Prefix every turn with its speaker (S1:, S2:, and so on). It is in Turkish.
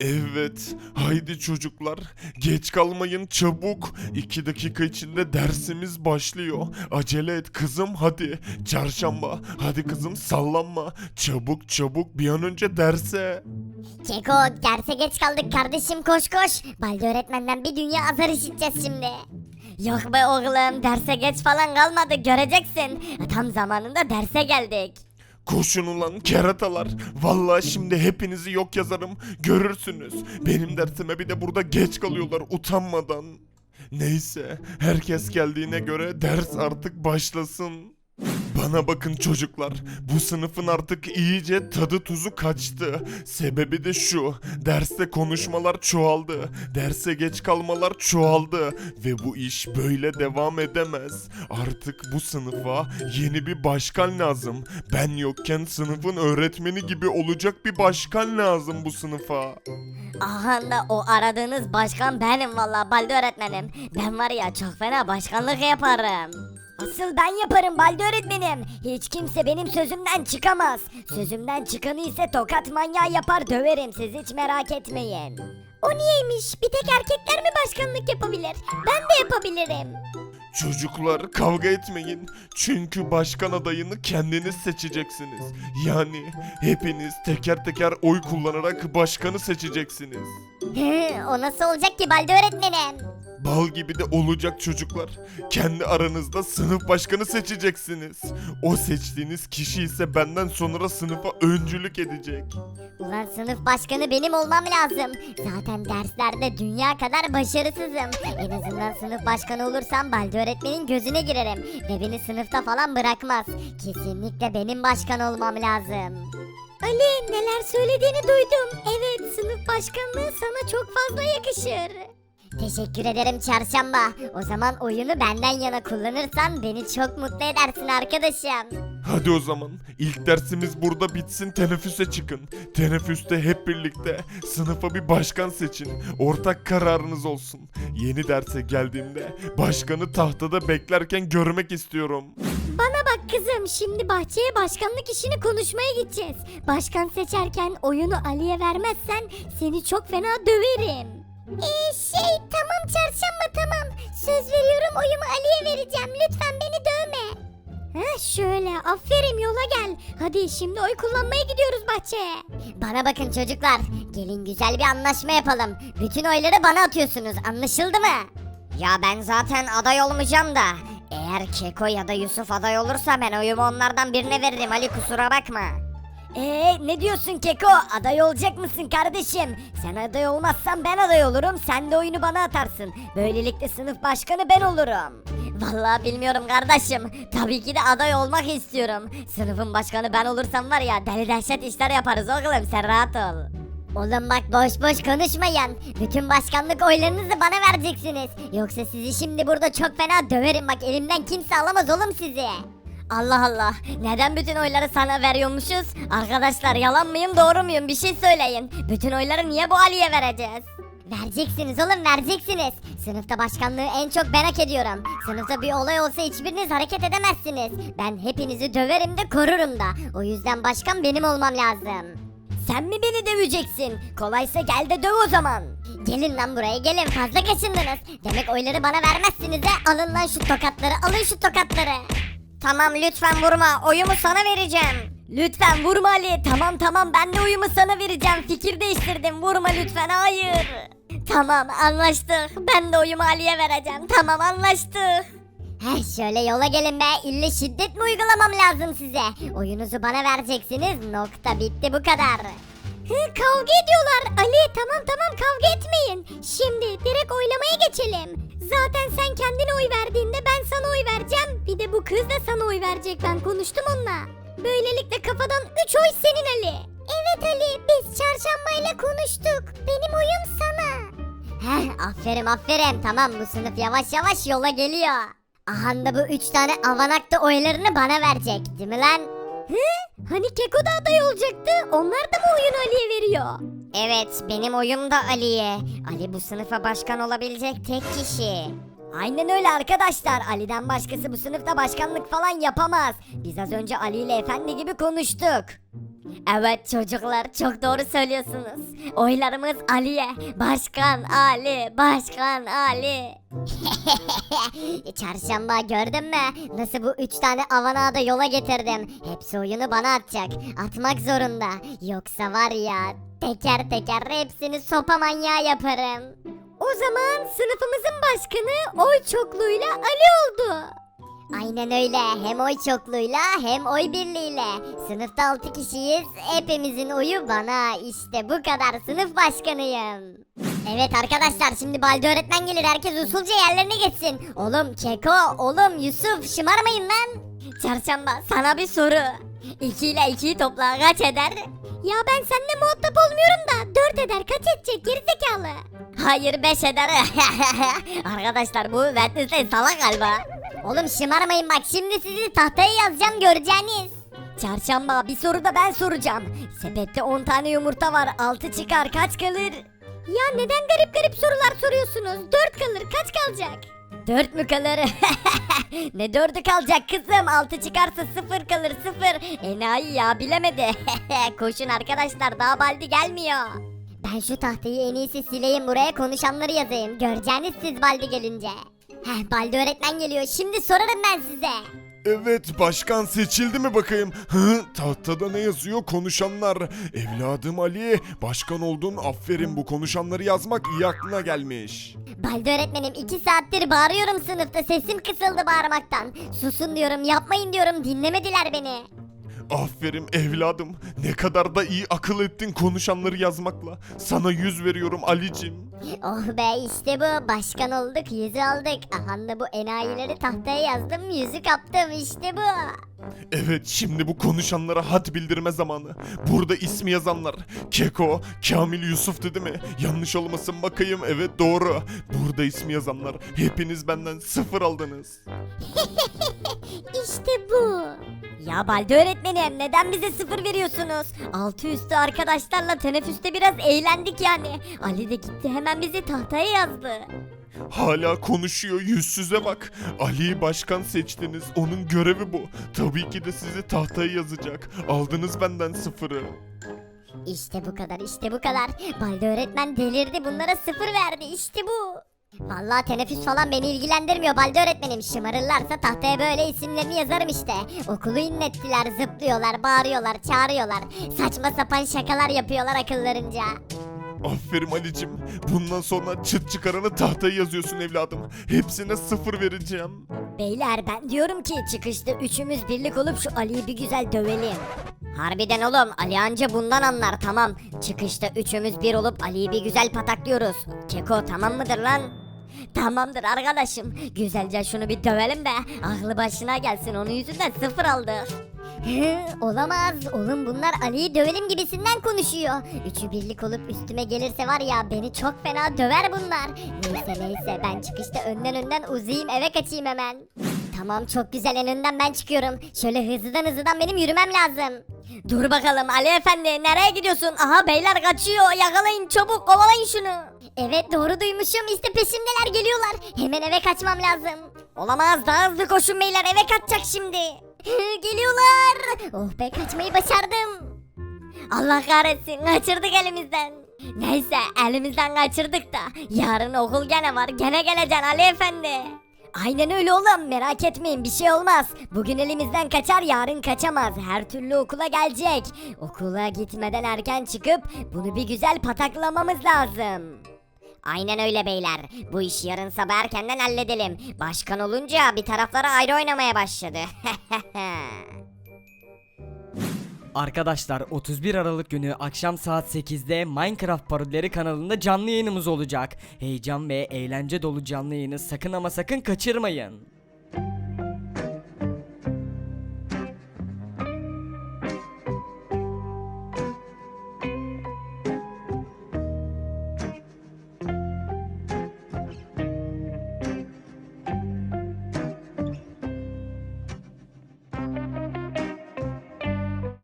S1: Evet, haydi çocuklar, geç kalmayın çabuk. 2 dakika içinde dersimiz başlıyor. Acele et kızım hadi. Çarşamba, hadi kızım sallanma. Çabuk çabuk bir an önce derse.
S2: Keko derse geç kaldık kardeşim koş koş. Balde öğretmenden bir dünya azar işiteceğiz şimdi. Yok be oğlum derse geç falan kalmadı göreceksin. Tam zamanında derse geldik.
S1: Koşun ulan keratalar. Vallahi şimdi hepinizi yok yazarım. Görürsünüz. Benim dersime bir de burada geç kalıyorlar utanmadan. Neyse, herkes geldiğine göre ders artık başlasın. Bana bakın çocuklar, bu sınıfın artık iyice tadı tuzu kaçtı. Sebebi de şu, derste konuşmalar çoğaldı, derse geç kalmalar çoğaldı ve bu iş böyle devam edemez. Artık bu sınıfa yeni bir başkan lazım. Ben yokken sınıfın öğretmeni gibi olacak bir başkan lazım bu sınıfa.
S2: Aha da o aradığınız başkan benim valla Balde öğretmenim. Ben var ya çok fena başkanlık yaparım. Asıl ben yaparım Balde öğretmenim. Hiç kimse benim sözümden çıkamaz. Sözümden çıkanı ise tokat manyağı yapar döverim siz hiç merak etmeyin. O niyeymiş? Bir tek erkekler mi başkanlık yapabilir? Ben de yapabilirim.
S1: Çocuklar kavga etmeyin. Çünkü başkan adayını kendiniz seçeceksiniz. Yani hepiniz teker teker oy kullanarak başkanı seçeceksiniz.
S2: O nasıl olacak ki Balde öğretmenim?
S1: Bal gibi de olacak çocuklar. Kendi aranızda sınıf başkanı seçeceksiniz. O seçtiğiniz kişi ise benden sonra sınıfa öncülük edecek.
S2: Ulan sınıf başkanı benim olmam lazım. Zaten derslerde dünya kadar başarısızım. En azından sınıf başkanı olursam Balde öğretmenin gözüne girerim. Ve beni sınıfta falan bırakmaz. Kesinlikle benim başkan olmam lazım. Ali neler söylediğini duydum. Evet sınıf başkanlığı sana çok fazla yakışır. Teşekkür ederim çarşamba. O zaman oyunu benden yana kullanırsan beni çok mutlu edersin arkadaşım.
S1: Hadi o zaman ilk dersimiz burada bitsin, teneffüse çıkın. Teneffüste hep birlikte sınıfa bir başkan seçin. Ortak kararınız olsun. Yeni derse geldiğimde başkanı tahtada beklerken görmek istiyorum.
S2: Bana bak kızım şimdi bahçeye başkanlık işini konuşmaya gideceğiz. Başkan seçerken oyunu Ali'ye vermezsen seni çok fena döverim. Tamam çarşamba tamam. Söz veriyorum oyumu Ali'ye vereceğim. Lütfen beni dövme. Şöyle aferin yola gel. Hadi şimdi oy kullanmaya gidiyoruz bahçeye. Bana bakın çocuklar. Gelin güzel bir anlaşma yapalım. Bütün oyları bana atıyorsunuz anlaşıldı mı? Ya ben zaten aday olmayacağım da. Eğer Keko ya da Yusuf aday olursa ben oyumu onlardan birine veririm Ali kusura bakma. Ne diyorsun Keko? Aday olacak mısın kardeşim? Sen aday olmazsan ben aday olurum. Sen de oyunu bana atarsın. Böylelikle sınıf başkanı ben olurum. Vallahi bilmiyorum kardeşim. Tabii ki de aday olmak istiyorum. Sınıfın başkanı ben olursam var ya deli dehşet işler yaparız oğlum sen rahat ol. Oğlum bak boş boş konuşmayın. Bütün başkanlık oylarınızı bana vereceksiniz. Yoksa sizi şimdi burada çok fena döverim bak elimden kimse alamaz oğlum sizi. Allah Allah. Neden bütün oyları sana veriyormuşuz? Arkadaşlar yalan mıyım doğru muyum bir şey söyleyin. Bütün oyları niye bu Ali'ye vereceğiz? Vereceksiniz oğlum vereceksiniz. Sınıfta başkanlığı en çok ben hak ediyorum. Sınıfta bir olay olsa hiçbiriniz hareket edemezsiniz. Ben hepinizi döverim de korurum da. O yüzden başkan benim olmam lazım. Sen mi beni döveceksin? Kolaysa gel de döv o zaman. Gelin lan buraya gelin fazla kaçındınız. Demek oyları bana vermezsiniz de alın lan şu tokatları alın şu tokatları. Tamam lütfen vurma oyumu sana vereceğim. Lütfen vurma Ali tamam ben de oyumu sana vereceğim fikir değiştirdim vurma lütfen hayır. Tamam anlaştık ben de oyumu Ali'ye vereceğim tamam anlaştık. Şöyle yola gelin be ille şiddet mi uygulamam lazım size? Oyunuzu bana vereceksiniz nokta bitti bu kadar. Kavga ediyorlar Ali tamam kavga etmeyin. Şimdi direkt oylamaya geçelim. Zaten sen kendine oy verdiğinde ben sana oy vereceğim. Bir de bu kız da sana oy verecek ben konuştum onunla. Böylelikle kafadan 3 oy senin Ali. Evet Ali biz çarşambayla konuştuk. Benim oyum sana. Aferin tamam bu sınıf yavaş yavaş yola geliyor. Aha da bu 3 tane avanak da oylarını bana verecek değil mi lan? Hani Keko da aday olacaktı. Onlar da mı oyunu Ali'ye veriyor? Evet benim oyum da Ali'ye. Ali bu sınıfa başkan olabilecek tek kişi. Aynen öyle arkadaşlar. Ali'den başkası bu sınıfta başkanlık falan yapamaz. Biz az önce Ali ile efendi gibi konuştuk. Evet çocuklar çok doğru söylüyorsunuz. Oylarımız Ali'ye. Başkan Ali, Başkan Ali. Çarşamba gördün mü? Nasıl bu 3 tane avanağı da yola getirdim. Hepsi oyunu bana atacak. Atmak zorunda. Yoksa var ya teker teker hepsini sopa manyağı yaparım. O zaman sınıfımızın başkanı oy çokluğuyla Ali oldu. Aynen öyle. Hem oy çokluğuyla hem oy birliğiyle. Sınıfta 6 kişiyiz. Hepimizin oyu bana. İşte bu kadar sınıf başkanıyım. Evet arkadaşlar şimdi Baldi öğretmen gelir. Herkes usulca yerlerine geçsin. Oğlum Keko, oğlum Yusuf şımarmayın lan. Çarşamba sana bir soru. 2 ile 2'yi topla kaç eder? Ya ben seninle muhatap olmuyorum da 4 eder kaç edecek gerizekalı? Hayır 5 eder. Arkadaşlar bu Wednesday salak galiba. Oğlum şımarmayın bak şimdi sizi tahtaya yazacağım göreceğiniz. Çarşamba bir soru da ben soracağım. Sepette 10 tane yumurta var 6 çıkar kaç kalır? Ya neden garip garip sorular soruyorsunuz? 4 kalır kaç kalacak? 4 mü kalır? Ne 4'ü kalacak kızım? 6 çıkarsa 0 kalır 0. Enayi ya bilemedi. Koşun arkadaşlar daha Baldi gelmiyor. Ben şu tahtayı en iyisi sileyim buraya konuşanları yazayım. Göreceğiniz siz Baldi gelince. Baldi öğretmen geliyor. Şimdi sorarım ben size.
S1: Evet, başkan seçildi mi bakayım? Hı, tahtada ne yazıyor? Konuşanlar. Evladım Ali, başkan oldun. Aferin, bu konuşanları yazmak iyi aklına gelmiş.
S2: Baldi öğretmenim 2 saattir bağırıyorum sınıfta. Sesim kısıldı bağırmaktan. Susun diyorum, yapmayın diyorum. Dinlemediler beni.
S1: Aferin evladım. Ne kadar da iyi akıl ettin konuşanları yazmakla. Sana 100 veriyorum Alicim.
S2: Oh be işte bu. Başkan olduk, yüzü aldık. Aha da bu enayileri tahtaya yazdım, yüzü kaptım. İşte bu.
S1: Evet, şimdi bu konuşanlara had bildirme zamanı. Burada ismi yazanlar Keko, Kamil, Yusuf dedi mi? Yanlış olmasın bakayım. Evet doğru. Burada ismi yazanlar hepiniz benden 0 aldınız.
S2: İşte bu. Ya Baldi öğretmenim neden bize 0 veriyorsunuz? Altı üstü arkadaşlarla teneffüste biraz eğlendik yani. Ali de gitti hemen bizi tahtaya yazdı.
S1: Hala konuşuyor, yüzsüze bak. Ali'yi başkan seçtiniz. Onun görevi bu. Tabii ki de sizi tahtaya yazacak. Aldınız benden 0'ı.
S2: İşte bu kadar işte bu kadar. Baldi öğretmen delirdi bunlara 0 verdi işte bu. Vallahi teneffüs falan beni ilgilendirmiyor Baldi öğretmenim. Şımarırlarsa tahtaya böyle isimlerini yazarım işte. Okulu inlettiler, zıplıyorlar, bağırıyorlar, çağırıyorlar. Saçma sapan şakalar yapıyorlar akıllarınca.
S1: Aferin Ali'cim. Bundan sonra çıt çıkaranı tahtaya yazıyorsun evladım. Hepsine 0 vereceğim.
S2: Beyler ben diyorum ki çıkışta üçümüz birlik olup şu Ali'yi bir güzel dövelim. Harbiden oğlum Ali anca bundan anlar tamam. Çıkışta üçümüz bir olup Ali'yi bir güzel pataklıyoruz. Keko tamam mıdır lan? Tamamdır arkadaşım. Güzelce şunu bir dövelim de aklı başına gelsin. Onun yüzünden 0 aldı. Olamaz. Oğlum bunlar Ali'yi dövelim gibisinden konuşuyor. Üçü birlik olup üstüme gelirse var ya beni çok fena döver bunlar. Neyse ben çıkışta önden uzayayım eve kaçayım hemen. Tamam çok güzel en önden ben çıkıyorum. Şöyle hızlıdan benim yürümem lazım. Dur bakalım Ali efendi nereye gidiyorsun? Aha beyler kaçıyor yakalayın çabuk kovalayın şunu. Evet doğru duymuşum işte peşimdeler geliyorlar. Hemen eve kaçmam lazım. Olamaz daha hızlı koşun beyler eve kaçacak şimdi. Geliyorlar. Oh be kaçmayı başardım. Allah kahretsin kaçırdık elimizden. Neyse elimizden kaçırdık da yarın okul gene var gene geleceksin Ali efendi. Aynen öyle oğlum merak etmeyin bir şey olmaz. Bugün elimizden kaçar yarın kaçamaz. Her türlü okula gelecek. Okula gitmeden erken çıkıp bunu bir güzel pataklamamız lazım. Aynen öyle beyler. Bu işi yarın sabah erkenden halledelim. Başkan olunca bir taraflara ayrı oynamaya başladı.
S3: Arkadaşlar 31 Aralık günü akşam saat 8'de Minecraft Parodileri kanalında canlı yayınımız olacak. Heyecan ve eğlence dolu canlı yayını sakın ama sakın kaçırmayın.